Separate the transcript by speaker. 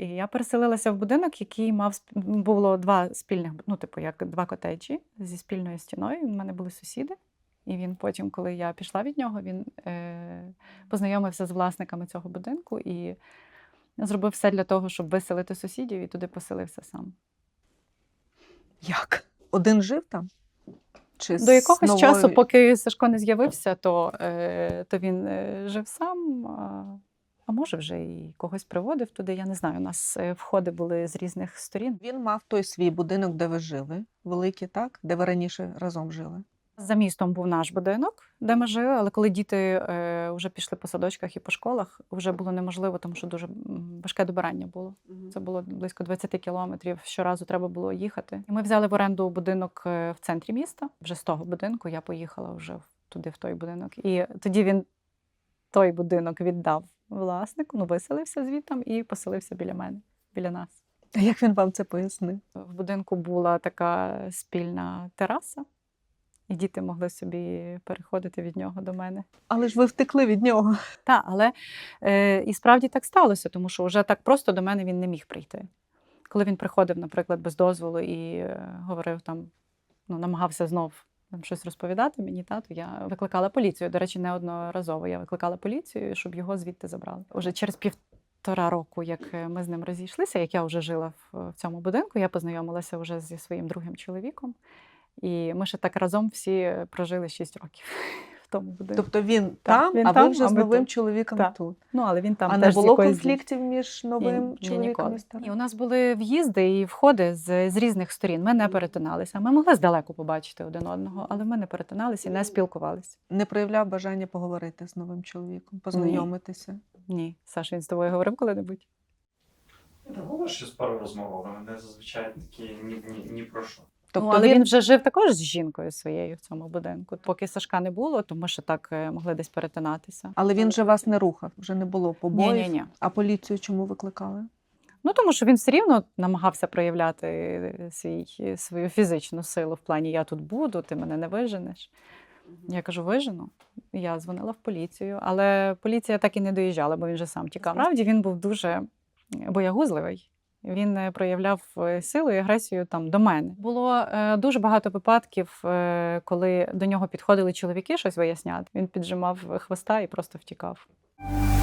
Speaker 1: І я переселилася в будинок, який мав було два спільних, ну, типу, як два котеджі зі спільною стіною. У мене були сусіди. І він потім, коли я пішла від нього, він познайомився з власниками цього будинку і зробив все для того, щоб виселити сусідів, і туди поселився сам.
Speaker 2: Як? Один жив там? Чи
Speaker 1: До якогось
Speaker 2: новою...
Speaker 1: часу, поки Сашко не з'явився, то він жив сам, а може вже і когось приводив туди, я не знаю. У нас входи були з різних сторін.
Speaker 2: Він мав той свій будинок, де ви жили, великий, так? Де ви раніше разом жили?
Speaker 1: За містом був наш будинок, де ми жили, але коли діти вже пішли по садочках і по школах, вже було неможливо, тому що дуже важке добирання було. Це було близько 20 кілометрів, щоразу треба було їхати. І ми взяли в оренду будинок в центрі міста. Вже з того будинку я поїхала вже туди, в той будинок. І тоді він той будинок віддав власнику, виселився звідти і поселився біля мене, біля нас.
Speaker 2: А як він вам це пояснив?
Speaker 1: В будинку була така спільна тераса. І діти могли собі переходити від нього до мене.
Speaker 2: Але ж ви втекли від нього.
Speaker 1: Так, але і справді так сталося, тому що вже так просто до мене він не міг прийти. Коли він приходив, наприклад, без дозволу і говорив там, намагався знов там щось розповідати мені, то я викликала поліцію. До речі, неодноразово я викликала поліцію, щоб його звідти забрали. Уже через 1,5 року, як ми з ним розійшлися, як я вже жила в цьому будинку, я познайомилася вже зі своїм другим чоловіком. І ми ще так разом всі прожили 6 років в тому будинку.
Speaker 2: Тобто він там,
Speaker 1: він
Speaker 2: а
Speaker 1: там,
Speaker 2: ви вже
Speaker 1: а
Speaker 2: з
Speaker 1: ми
Speaker 2: новим
Speaker 1: тут.
Speaker 2: чоловіком
Speaker 1: Так.
Speaker 2: тут.
Speaker 1: Але він там
Speaker 2: А
Speaker 1: теж
Speaker 2: не було
Speaker 1: якоїсь
Speaker 2: конфліктів між новим чоловіком і старим?
Speaker 1: І у нас були в'їзди і входи з різних сторін. Ми не перетиналися. Ми могли здалеку побачити один одного, але ми не перетиналися і не спілкувалися.
Speaker 2: Не проявляв бажання поговорити з новим чоловіком, познайомитися?
Speaker 1: Ні. Саша, він з тобою говорив коли-небудь?
Speaker 3: Було щось пару розмов, але не зазвичай такі ні про що.
Speaker 2: Тобто
Speaker 1: Але він вже жив також з жінкою своєю в цьому будинку. Поки Сашка не було, то ми ще так могли десь перетинатися.
Speaker 2: Але він же вас не рухав, вже не було побоїв?
Speaker 1: Ні.
Speaker 2: А поліцію чому викликали?
Speaker 1: Тому що він все рівно намагався проявляти свою фізичну силу в плані «я тут буду, ти мене не виженеш». Я кажу, вижену. Я дзвонила в поліцію, але поліція так і не доїжджала, бо він же сам тікав. Справді він був дуже боягузливий. Він проявляв силу і агресію там до мене. Було дуже багато випадків, коли до нього підходили чоловіки щось виясняти. Він піджимав хвоста і просто втікав.